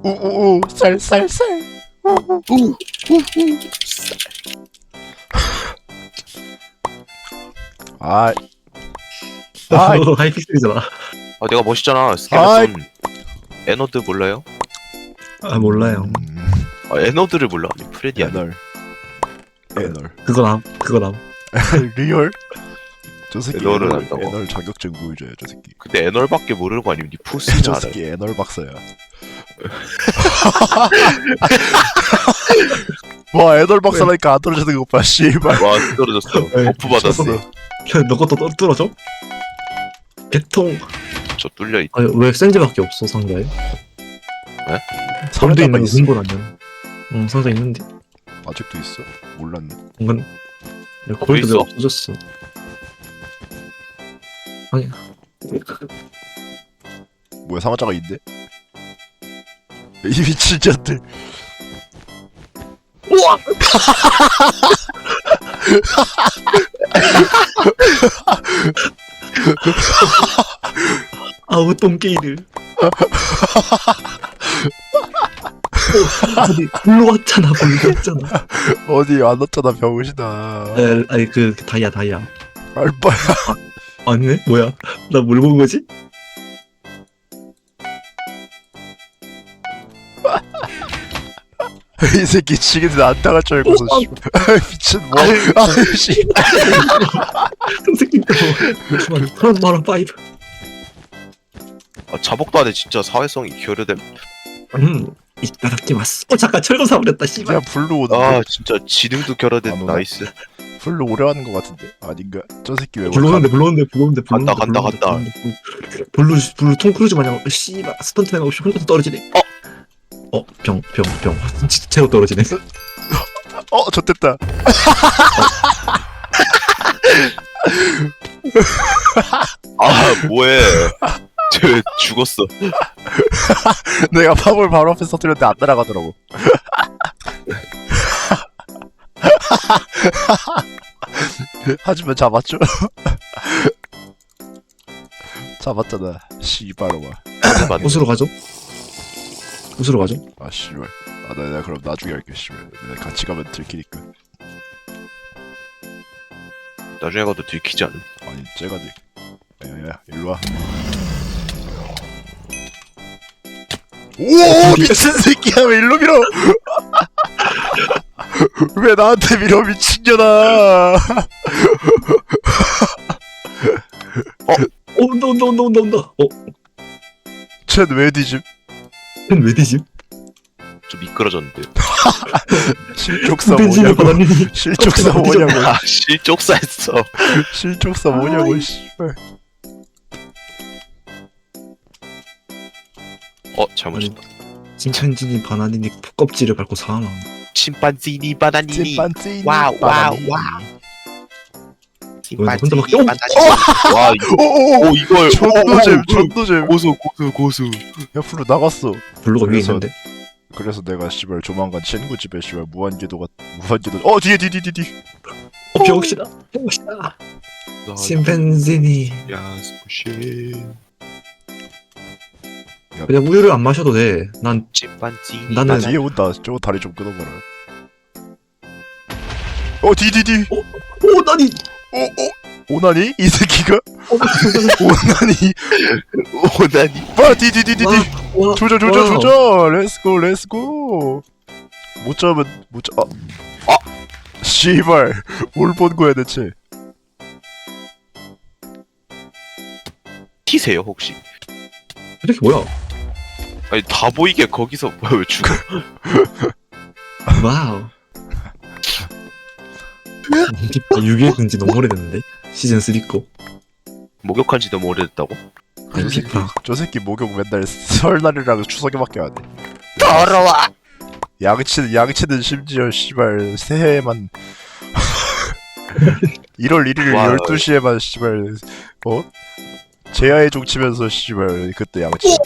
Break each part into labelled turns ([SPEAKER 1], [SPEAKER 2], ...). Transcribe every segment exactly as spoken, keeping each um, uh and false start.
[SPEAKER 1] 우우우 쌀쌀쌀 우우우 아 아,
[SPEAKER 2] 하이픽셀이잖아.
[SPEAKER 3] 아 내가 멋있잖아.
[SPEAKER 1] 아이.
[SPEAKER 3] 스켈레톤 에너드 몰라요?
[SPEAKER 2] 아 몰라요.
[SPEAKER 3] 아 에너드를 몰라. 아니 프레디 아니야?
[SPEAKER 1] 에널 에널
[SPEAKER 2] 그거 남, 그거 남.
[SPEAKER 1] 리얼? 저 새끼
[SPEAKER 3] 에널은
[SPEAKER 1] 에널,
[SPEAKER 3] 안다고.
[SPEAKER 1] 에널 자격증 보여줘요 저 새끼.
[SPEAKER 3] 근데 에널밖에 모르는 거 아니면 니 푸스는
[SPEAKER 1] 저
[SPEAKER 3] 알아.
[SPEAKER 1] 새끼 에널 박사야. 와 에널 박사라니까 안 떨어지는 거 봐 씨발.
[SPEAKER 3] 와 떨어졌어.
[SPEAKER 2] 네,
[SPEAKER 3] 버프 받았어.
[SPEAKER 1] 쳤어.
[SPEAKER 2] 야, 너 것도 떨- 뚫어줘? 개통.
[SPEAKER 3] 저 뚫려 있.
[SPEAKER 2] 아니 왜 센즈밖에 없어 상자에? 골드
[SPEAKER 1] 상자가
[SPEAKER 2] 있는 거
[SPEAKER 1] 있어.
[SPEAKER 2] 근본 아니야? 응 상자 있는데.
[SPEAKER 1] 아직도 있어? 몰랐네.
[SPEAKER 2] 뭔가 야, 골드
[SPEAKER 3] 있어.
[SPEAKER 2] 왜 없어졌어? 아니
[SPEAKER 1] 뭐야 상자가 있네? 이 미친 년들.
[SPEAKER 2] 우와! 아우 똥개이들. 어, 어디 불로 왔잖아 불로 왔잖아.
[SPEAKER 1] 어디 안 왔잖아 병신아.
[SPEAKER 2] 에, 아니 그, 그 다이아 다이아.
[SPEAKER 1] 알바야.
[SPEAKER 2] 아니네 뭐야? 나 뭘 본 거지?
[SPEAKER 1] 이 새끼 지금도 안 당할 줄 알고서
[SPEAKER 2] 어,
[SPEAKER 1] 씨발. 아, 미친 뭐. 아 씨.
[SPEAKER 2] 새끼 또 잠깐만 그런 말한 파이브.
[SPEAKER 3] 아 자복도 안에 진짜 사회성이 결여됨.
[SPEAKER 2] 음 이따다키마스. 어 잠깐 철거 사버렸다 씨발.
[SPEAKER 1] 그냥 블루 오는
[SPEAKER 3] 아
[SPEAKER 1] 거.
[SPEAKER 3] 진짜 지능도
[SPEAKER 1] 안
[SPEAKER 3] 결여된
[SPEAKER 1] 오나?
[SPEAKER 3] 나이스.
[SPEAKER 1] 블루 오래 하는 거 같은데 아닌가? 저 새끼 왜
[SPEAKER 2] 불러오는데 불러오는데 불러오는데
[SPEAKER 3] 간다,
[SPEAKER 2] 불러오는데
[SPEAKER 3] 간다,
[SPEAKER 2] 불러오는데 불러오는데 블루 블루 톰 크루즈 마냥 씨발 스턴트맨 없이 혼자서 떨어지네. 어? 어병병병 진짜 채로 떨어지네.
[SPEAKER 1] 어 좆됐다.
[SPEAKER 3] 아 뭐해? 쟤 죽었어.
[SPEAKER 1] 내가 팝을 바로 앞에 터뜨렸는데 안 날아가더라고. 하지만 잡았죠? 잡았잖아. 씨발로마.
[SPEAKER 2] 옷으로 가죠? 옷으로 가죠?
[SPEAKER 1] 아 씨발. 아 내가 그럼 나중에 할게 씨발. 내가 같이 가면 들키니까.
[SPEAKER 3] 나중에 가도 들키지 않음.
[SPEAKER 1] 아니 쟤가 들. 야야 일로 와. 오 미친 새끼야 왜 일로 밀어? 왜 나한테 밀어 미친년아?
[SPEAKER 2] 어 온다 온다 온다 온다 온다. 어?
[SPEAKER 1] 쟤왜 뒤집?
[SPEAKER 2] 쟤왜 뒤지?
[SPEAKER 3] 좀 미끄러졌는데.
[SPEAKER 1] 실족사
[SPEAKER 2] 벤진을
[SPEAKER 1] 뭐냐고?
[SPEAKER 2] 받았니?
[SPEAKER 1] 실족사 뭐냐고?
[SPEAKER 3] 아 실족사했어.
[SPEAKER 1] 실족사 뭐냐고 씨발.
[SPEAKER 3] 어 잘못했다.
[SPEAKER 2] 침팬지니 바나니니 껍질을 밟고 사망.
[SPEAKER 3] 침판지니 바나니니.
[SPEAKER 1] 찐빤찐.
[SPEAKER 3] 와우 와우 와우.
[SPEAKER 2] 왜 혼자 막 뿅!
[SPEAKER 3] 와 이거.
[SPEAKER 1] 오오오.
[SPEAKER 3] 오 이걸.
[SPEAKER 1] 존노잼
[SPEAKER 3] 오, 오, 오.
[SPEAKER 1] 존노잼.
[SPEAKER 3] 고수 고수 고수.
[SPEAKER 1] 옆으로 나갔어.
[SPEAKER 2] 블루가 위에
[SPEAKER 1] 그래서-
[SPEAKER 2] 있는데?
[SPEAKER 1] 그래서 내가 씨발 조만간 친구 집에 씨발 무한궤도가 무한궤도. 어 뒤에 뒤에 뒤에 뒤에.
[SPEAKER 2] 어 병신아 병신아 침팬지니
[SPEAKER 3] 야 스푸시.
[SPEAKER 2] 그냥 우유를 안 마셔도 돼난
[SPEAKER 3] 침판지니.
[SPEAKER 2] 나는-
[SPEAKER 1] 나 뒤에 온다. 저거 다리 좀 끊어봐라. 어 뒤 뒤 뒤.
[SPEAKER 2] 오 나니
[SPEAKER 1] 어 어. 오나니 이 새끼가?
[SPEAKER 2] 어,
[SPEAKER 1] 오나니.
[SPEAKER 3] 오나니.
[SPEAKER 1] 봐 뒤 뒤 뒤 뒤 뒤.
[SPEAKER 2] 와,
[SPEAKER 1] 조져 조져
[SPEAKER 2] 와우.
[SPEAKER 1] 조져. 렛츠고 렛츠고. 못 잡으면 못 잡. 아. 아. 씨발. 뭘 본 거야 대체?
[SPEAKER 3] 티세요 혹시?
[SPEAKER 2] 이렇게 뭐야
[SPEAKER 3] 아니 다 보이게 거기서 뭐야 왜 죽어?
[SPEAKER 2] 와우 유기의 근지 너무 오래됐는데 시즌 쓰리 거
[SPEAKER 3] 목욕한 지 너무 오래됐다고?
[SPEAKER 2] 아니 피파
[SPEAKER 1] 저 새끼 목욕 맨날 설날이랑 추석에밖에 안 해.
[SPEAKER 3] 더러워.
[SPEAKER 1] 양치는 양치는 심지어 씨발 새해에만 일월 일일
[SPEAKER 3] 와.
[SPEAKER 1] 열두 시에만 씨발 어? 제야의 종 치면서 씨발 그때 양치.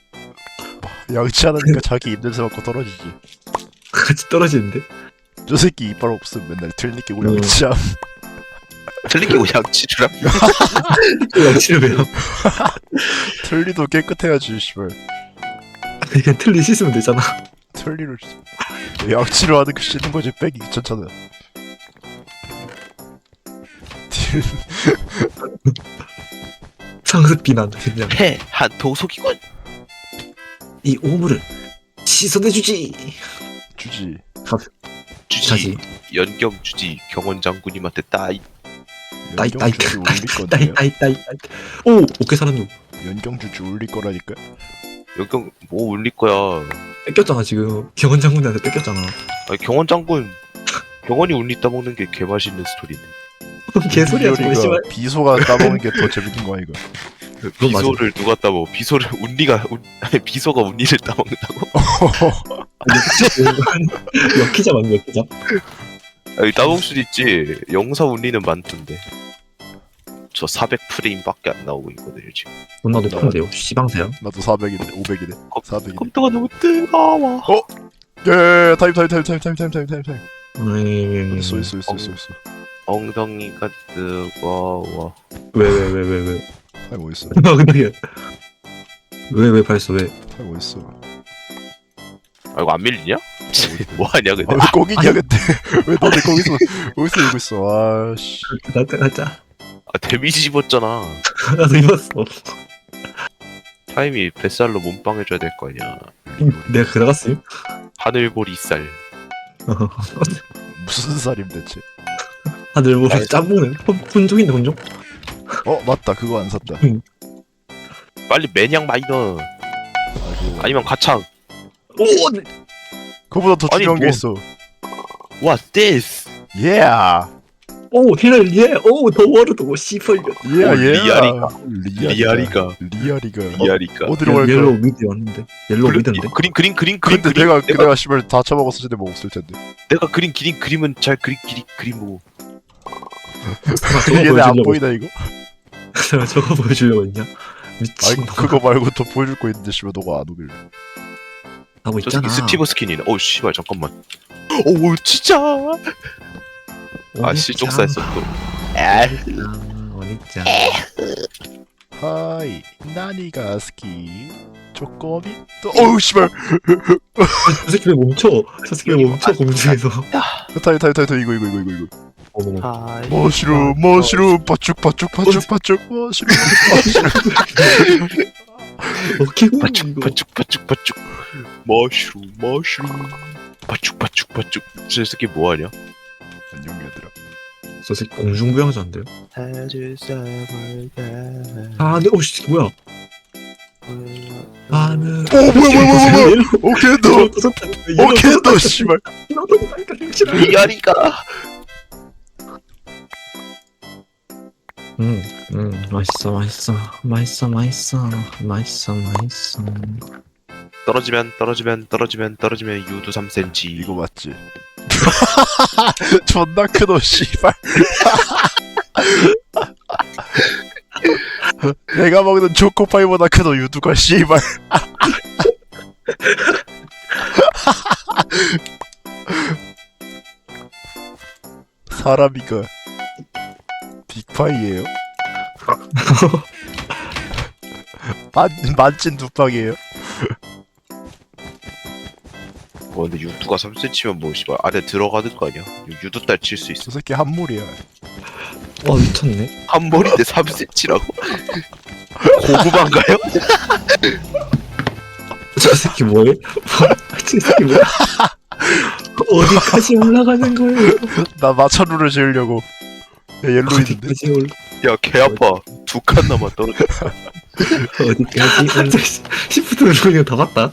[SPEAKER 1] 양치하니까 자기 입냄새 맡고 떨어지지.
[SPEAKER 2] 같이 떨어지는데
[SPEAKER 1] 저 새끼 이빨 없으면 맨날 틀니 끼고
[SPEAKER 2] 음.
[SPEAKER 1] 양치함.
[SPEAKER 3] 틀리게 양치주라.
[SPEAKER 2] 양치를 왜요
[SPEAKER 1] 틀니도 깨끗해야지 씨발.
[SPEAKER 2] 그냥 틀리 씻으면 되잖아.
[SPEAKER 1] 틀리를 양치를 하는 거 씻는 거지 빼기 귀찮잖아.
[SPEAKER 2] 상습 비난 그냥
[SPEAKER 3] 패한 도속이군.
[SPEAKER 2] 이 오물을 씻어내주지.
[SPEAKER 1] 주지.
[SPEAKER 3] 주지.
[SPEAKER 2] 자지.
[SPEAKER 3] 연경 주지. 경원 장군님한테 따이.
[SPEAKER 2] 따이 따이
[SPEAKER 1] 연경주지 올릴
[SPEAKER 2] 따이
[SPEAKER 1] 건데요.
[SPEAKER 2] 따이 따이 따이. 오 오케이 살았노.
[SPEAKER 1] 연경주지 올릴 거라니까.
[SPEAKER 3] 연경 뭐 올릴 거야.
[SPEAKER 2] 뺏겼잖아 지금. 경원 장군한테 뺏겼잖아.
[SPEAKER 3] 아니, 경원 장군. 경원이 울리 따먹는 게 개맛있는 스토리네.
[SPEAKER 2] 개소리야 저거
[SPEAKER 1] 윤리가
[SPEAKER 2] 씨발.
[SPEAKER 1] 비소가 따먹는 게 더 재밌는 거야 이거.
[SPEAKER 2] 그건 맞아.
[SPEAKER 3] 비소를 누가 따먹어? 비소를 운리가 운, 아니 비소가 운리를 따먹는다고?
[SPEAKER 2] 역기자 맞네 역기자.
[SPEAKER 3] 아니 따먹을 수도 있지. 영사 운리는 많던데. 저 사백 프레임밖에 안 나오고 있거든요 지금.
[SPEAKER 2] 존나 높은데요. 씨방새야.
[SPEAKER 1] 나도 사백이네, 오백이네, 사백이네.
[SPEAKER 3] 컴퓨터가 너무 뜨거워.
[SPEAKER 1] 예, 타임 타임 타임 타임 타임 타임 타임 타임 타임.
[SPEAKER 2] 음...
[SPEAKER 1] 있어 있어 있어 있어 있어.
[SPEAKER 3] 엉덩이가 뜨거워.
[SPEAKER 2] 왜왜 왜 왜 왜?
[SPEAKER 1] 타임 어디 있어?
[SPEAKER 2] 엉덩이야. 왜왜 발했어 왜?
[SPEAKER 1] 타임 어디 있어?
[SPEAKER 3] 아 이거 안 밀리냐? 뭐하냐 근데.
[SPEAKER 1] 아왜 거기냐 근데 왜 너네 거기서 거기서 이러고 있어? 아씨.
[SPEAKER 2] 가자 가자.
[SPEAKER 3] 아 데미지 집었잖아.
[SPEAKER 2] 나도 입었어.
[SPEAKER 3] 타임이 뱃살로 몸빵 해줘야 될 거 아니야.
[SPEAKER 2] 내가 그나갔어요?
[SPEAKER 3] 하늘보리살.
[SPEAKER 1] 무슨 살임 대체?
[SPEAKER 2] 다들 뭐 짬뽕은 혼종인데 혼종?
[SPEAKER 1] 어 맞다 그거 안 샀다.
[SPEAKER 3] 빨리 매냥 마이너.
[SPEAKER 1] 아이고.
[SPEAKER 3] 아니면 가창.
[SPEAKER 2] 오!
[SPEAKER 1] 그거보다 더
[SPEAKER 3] 아니,
[SPEAKER 1] 중요한 게
[SPEAKER 3] 뭐.
[SPEAKER 1] 있어.
[SPEAKER 3] What's this?
[SPEAKER 1] Yeah.
[SPEAKER 2] 오 힐 예! 오 더 워르드 오 씨펄.
[SPEAKER 1] Yeah,
[SPEAKER 3] 어,
[SPEAKER 1] yeah.
[SPEAKER 3] 리아리가.
[SPEAKER 1] 리아리가.
[SPEAKER 3] 리아리가.
[SPEAKER 1] 리아리가.
[SPEAKER 3] 리아리가.
[SPEAKER 1] 어디로 갈까?
[SPEAKER 2] 옐로우 미드 왔는데. 옐로우
[SPEAKER 3] 그린,
[SPEAKER 2] 미드인데.
[SPEAKER 3] 그린 그린 그린 그린
[SPEAKER 1] 근데
[SPEAKER 3] 그린
[SPEAKER 1] 내가
[SPEAKER 3] 내가
[SPEAKER 1] 내가 씨발 다 처먹었을 텐데 먹었을 텐데.
[SPEAKER 3] 내가 그린 그린 그림은 잘 그린 그린 그림 보고.
[SPEAKER 2] 저거
[SPEAKER 1] 얘네 안
[SPEAKER 2] 보여주려고
[SPEAKER 1] 보이나 이거?
[SPEAKER 2] 했- 저거 보여주려고 했냐?
[SPEAKER 1] 아이
[SPEAKER 2] 미친.
[SPEAKER 1] 그거 말고 더 보여줄 거 있는데 씨발 너가 안 오길래.
[SPEAKER 2] 하고
[SPEAKER 3] 저
[SPEAKER 2] 있잖아.
[SPEAKER 3] 새끼 스티브 스킨이네. 어 씨발 잠깐만. 오 진짜. 아씨 쪽사했어 또.
[SPEAKER 2] 어니짱.
[SPEAKER 1] 하이 나니가 스키 쪼꼬미 또 어우 씨발
[SPEAKER 2] 저 새끼 왜 멈춰? 저 새끼 왜 멈춰 공중에서?
[SPEAKER 1] 타이 타이 타이 타이 이거 이거 이거 이거 이거
[SPEAKER 2] 어머.
[SPEAKER 3] 하이.
[SPEAKER 1] 머시룸 머시룸 바쭉 바쭉 바쭉 바쭉 머시룸 머시룸
[SPEAKER 2] 어깨 공
[SPEAKER 3] 바축
[SPEAKER 2] 이거.
[SPEAKER 3] 바축 바축 바축. 머쉬룸 머쉬룸. 바축 바축 바축. 저 새끼 뭐하냐?
[SPEAKER 1] 안녕 얘들아.
[SPEAKER 2] 저 새끼 공중부양자인데요?
[SPEAKER 3] 해줄 사람을
[SPEAKER 2] 아 근데 오씨 뭐야? 나는.
[SPEAKER 1] 오 뭐야 뭐야 뭐야 뭐야 오케이 너 오케이 너 씨발
[SPEAKER 3] 리아리가.
[SPEAKER 2] 응, 응, 맛있어, 맛있어, 맛있어, 맛있어, 맛있어, 맛있어.
[SPEAKER 3] 떨어지면 떨어지면 떨어지면 떨어지면 유두 삼 센티미터.
[SPEAKER 1] 이거 맞지? 존나 크노 씨발 내가 먹는 초코파이보다 크노 유두가 씨발 사람이가 빅파이예요? 만, 만찐 두팡이에요?
[SPEAKER 3] 뭐 근데 유두가 삼 센티미터면 뭐 씨발 안에 들어가는 거 아니야? 유두 딸 칠 수 있어.
[SPEAKER 1] 저 새끼 한물이야.
[SPEAKER 2] 와 미쳤네.
[SPEAKER 3] 한 머리인데 삼 센티미터라고? 고구마인가요?
[SPEAKER 2] 저 새끼 뭐해? 저 새끼 뭐야? 어디까지 올라가는 거예요?
[SPEAKER 1] 나 마차루를 지으려고. 야, 옐로 있는데?
[SPEAKER 2] 어디까지 올?
[SPEAKER 3] 야 개 아파. 두 칸 남아 떨어져.
[SPEAKER 2] 어디까지? 시프트 누르는 다 봤다.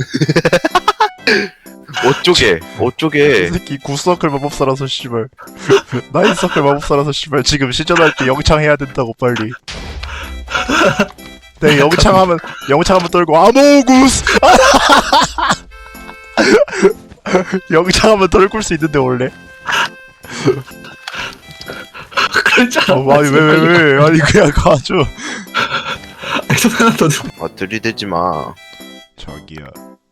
[SPEAKER 3] 어쩌게 어쩌게.
[SPEAKER 1] 저 새끼 굿서클 마법사라서 씨발. 나인서클 마법사라서 씨발. 지금 시전할 때 영창해야 된다고 빨리. 내 영창하면 영창하면 떨고 아모구스. 영창하면 떨굴 수 있는데 원래.
[SPEAKER 2] 그랬잖아.
[SPEAKER 1] 어, 아니 왜 왜 왜? 아니 그냥 가줘.
[SPEAKER 2] 아니 저 하나 더 줘.
[SPEAKER 3] 아 들이대지 마.
[SPEAKER 1] 저기야.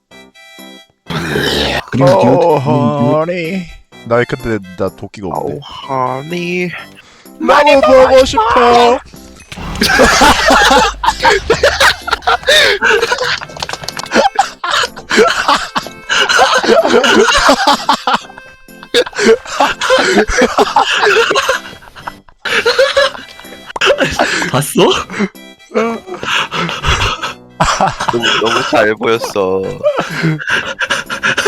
[SPEAKER 2] 그리고
[SPEAKER 1] 어, 허니. 나 근데 나 도끼가
[SPEAKER 3] 아우
[SPEAKER 1] 없네.
[SPEAKER 3] 하니.
[SPEAKER 1] 나도 보고 싶어.
[SPEAKER 2] 봤어?
[SPEAKER 3] 너무, 너무 잘 보였어.